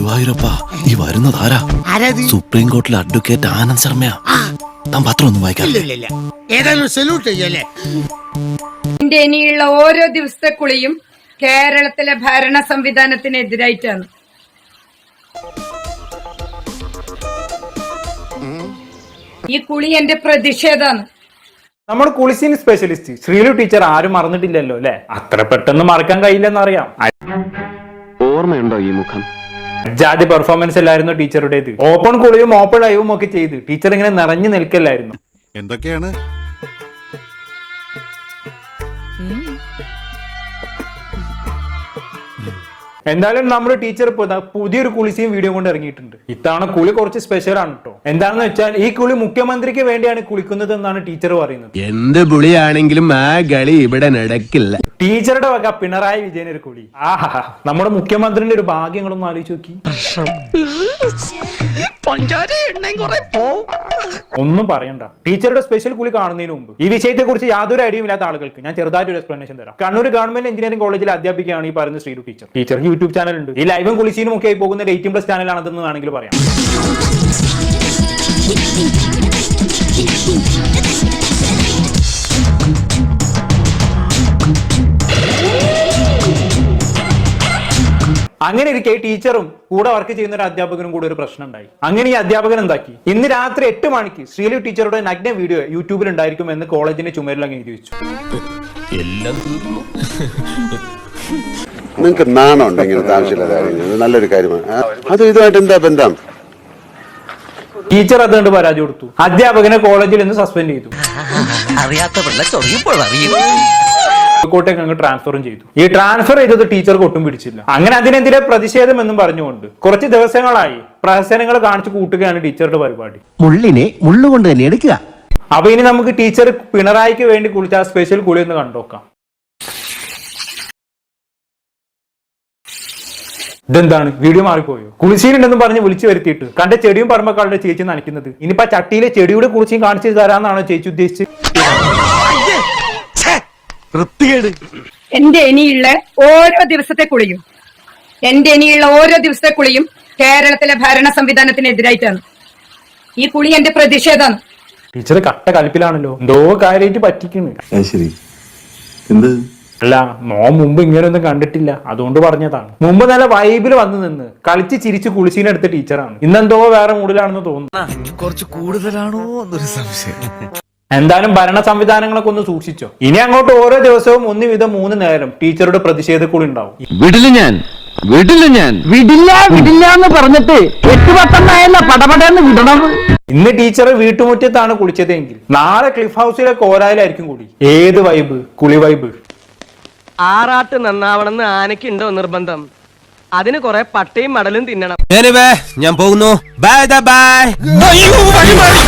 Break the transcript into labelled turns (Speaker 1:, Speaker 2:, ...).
Speaker 1: ഗുരുവായൂരപ്പ, ഈ വരുന്നതാരാ? സുപ്രീം കോർട്ടിലെ അഡ്വക്കേറ്റ് ആനന്ദ് ശർമ്മയാ. താൻ പത്രം ഒന്നും വായിക്കാറില്ല?
Speaker 2: എന്റെ ഇനിയുള്ള ഓരോ ദിവസത്തെ കുളിയും കേരളത്തിലെ ഭരണ സംവിധാനത്തിനെതിരായിട്ടാണ്. ഈ കുളി എന്റെ പ്രതിഷേധാണ്.
Speaker 3: നമ്മുടെ കുളിസീൻ സ്പെഷ്യലിസ്റ്റ് ശ്രീലു ടീച്ചർ ആരും മറന്നിട്ടില്ലല്ലോ അല്ലെ? അത്ര പെട്ടെന്ന് മറക്കാൻ കഴിയില്ലെന്നറിയാം.
Speaker 4: ഓർമ്മയുണ്ടോ ഈ മുഖം?
Speaker 3: ജാതി പെർഫോമൻസ് അല്ലായിരുന്നു ടീച്ചറുടേത്. ഓപ്പൺ കുളിയും ഓപ്പൺ ലൈവും ഒക്കെ ചെയ്ത് ടീച്ചർ ഇങ്ങനെ നിറഞ്ഞു നിൽക്കല്ലായിരുന്നു.
Speaker 1: എന്തൊക്കെയാണ്?
Speaker 3: എന്തായാലും നമ്മുടെ ടീച്ചർ പുതിയൊരു കുളിസീൻ വീഡിയോ കൊണ്ട് ഇറങ്ങിയിട്ടുണ്ട്. ഇത്തവണ കുളി കുറച്ച് സ്പെഷ്യൽ ആണ് കേട്ടോ. എന്താണെന്ന് വെച്ചാൽ ഈ കുളി മുഖ്യമന്ത്രിക്ക് വേണ്ടിയാണ് കുളിക്കുന്നത് എന്നാണ് ടീച്ചർ പറയുന്നത്.
Speaker 5: എന്ത് പുളിയാണെങ്കിലും ആ കളി ഇവിടെ നടക്കില്ല.
Speaker 3: ടീച്ചറുടെ വക പിണറായി വിജയൻ ഒരു കുളി. ആഹാ, നമ്മുടെ മുഖ്യമന്ത്രിന്റെ ഒരു ഭാഗ്യങ്ങളൊന്നും ആലോചിച്ച് നോക്കി. ഒന്നും പറയണ്ട. ടീച്ചറുടെ സ്പെഷ്യൽ കുളി കാണുന്നതിന് മുമ്പ് ഈ വിഷയത്തെ കുറിച്ച് യാതൊരു ഐഡിയയും ഇല്ലാത്ത ആളുകൾക്ക് ഞാൻ ചെറുതായിട്ട് ഒരു എക്സ്പ്ലനേഷൻ തരാം. കണ്ണൂർ ഗവൺമെന്റ് എഞ്ചിനീയറിംഗ് കോളേജിൽ അധ്യാപികയാണ് ഈ പറയുന്ന ശ്രീലു ടീച്ചർ. ടീച്ചർക്ക് യൂട്യൂബ് ചാനൽ ഉണ്ട്. ഈ ലൈവും കുളിസീനും ഒക്കെ ആയി പോകുന്ന 18+ ചാനലാണെന്ന് വേണമെങ്കിൽ പറയാം. അങ്ങനെ ഇരിക്കെ ടീച്ചറും കൂടെ വർക്ക് ചെയ്യുന്ന ഒരു അധ്യാപകനും കൂടെ ഒരു പ്രശ്നം ഉണ്ടായി. അങ്ങനെ ഈ അധ്യാപകൻ എന്താക്കി, ഇന്ന് രാത്രി 8 മണിക്ക് ശ്രീലു ടീച്ചറുടെ നഗ്ന വീഡിയോ യൂട്യൂബിൽ ഉണ്ടായിരിക്കും എന്ന് കോളേജിന്റെ ചുമരിൽ അങ്ങ് എഴുതി വെച്ചു.
Speaker 6: നിങ്ങൾക്ക് നാണമുണ്ട് ഇങ്ങനത്തെ ആവശ്യമില്ലാത്ത കാര്യങ്ങൾ? നല്ലൊരു കാര്യമാണ്. അത് ഇതുമായിട്ട് എന്താ ബന്ധം?
Speaker 3: ടീച്ചർ അതുകൊണ്ട് പരാതി കൊടുത്തു. അധ്യാപകനെ കോളേജിൽ നിന്ന് സസ്പെൻഡ് ചെയ്തു. കോട്ടേക്ക് അങ്ങ് ട്രാൻസ്ഫറും ചെയ്തു. ഈ ട്രാൻസ്ഫർ ചെയ്തത് ടീച്ചർക്ക് ഒട്ടും പിടിച്ചില്ല. അങ്ങനെ അതിനെതിരെ പ്രതിഷേധം എന്നും പറഞ്ഞുകൊണ്ട് കുറച്ച് ദിവസങ്ങളായി പ്രഹസനങ്ങൾ കാണിച്ചു കൂട്ടുകയാണ് ടീച്ചറുടെ പരിപാടി.
Speaker 5: മുള്ളിനെ മുള്ളുകൊണ്ട് തന്നെ എടുക്കുക.
Speaker 3: അപ്പൊ ഇനി നമുക്ക് ടീച്ചർ പിണറായിക്ക് വേണ്ടി കുളിച്ച ആ സ്പെഷ്യൽ കുളി ഒന്ന് കണ്ടോക്കാം. ഇതെന്താണ്, വീഡിയോ മാറിപ്പോയോ? കുളിശീലുണ്ടെന്ന് പറഞ്ഞ് വിളിച്ചു വരുത്തിയിട്ട് കണ്ട ചെടിയും പറമ്പക്കാളുടെ ചേച്ചി നനയ്ക്കുന്നത്. ഇനിയിപ്പോ ചട്ടിയിലെ ചെടിയുടെ കുളിച്ചും കാണിച്ചു തരാന്നാണോ ചേച്ചി ഉദ്ദേശിച്ചത്?
Speaker 2: എന്റെ ഇനിയുള്ള ഓരോ ദിവസത്തെ കുളിയും കേരളത്തിലെ ഭരണ സംവിധാനത്തിനെതിരായിട്ടാണ്. ഈ കുളി എന്റെ പ്രതിഷേധാണ്.
Speaker 3: ടീച്ചർ കട്ട കലിപ്പിലാണല്ലോ. എന്തോ കാര്യമായിട്ട് പറ്റിക്കുന്നു. അല്ല, മുമ്പ് ഇങ്ങനെയൊന്നും കണ്ടിട്ടില്ല, അതുകൊണ്ട് പറഞ്ഞതാണ്. മുമ്പ് നല്ല വൈബിൽ വന്നു നിന്ന് കളിച്ച് ചിരിച്ച് കുളിച്ചീനെടുത്ത ടീച്ചറാണ്. ഇന്നെന്തോ വേറെ മൂഡിലാണെന്ന് തോന്നുന്നു.
Speaker 1: കുറച്ച് കൂടുതലാണോ എന്നൊരു സംശയം.
Speaker 3: എന്തായാലും ഭരണ സംവിധാനങ്ങളൊക്കെ ഒന്ന് സൂക്ഷിച്ചോ. ഇനി അങ്ങോട്ട് ഓരോ ദിവസവും 1 വീതം 3 നേരം ടീച്ചറുടെ പ്രതിഷേധ കൂടി ഉണ്ടാവും.
Speaker 5: വിടില്ല എന്ന് പറഞ്ഞിട്ട് 8-10 പടപടന്ന് വിടണം.
Speaker 3: ഇന്ന് ടീച്ചർ വീട്ടുമുറ്റത്താണ് കുളിച്ചതെങ്കിൽ നാളെ ക്ലിഫ് ഹൗസിലെ കോരായിലായിരിക്കും കൂടി. ഏത് വൈബ്? കുളി വൈബ്.
Speaker 7: ആറാട്ട് നന്നാവണമെന്ന് ആനയ്ക്കുണ്ടോ നിർബന്ധം? അതിന് കുറെ പട്ടയും മടലും തിന്നണം.
Speaker 5: ഞാൻ പോകുന്നു. ബൈ.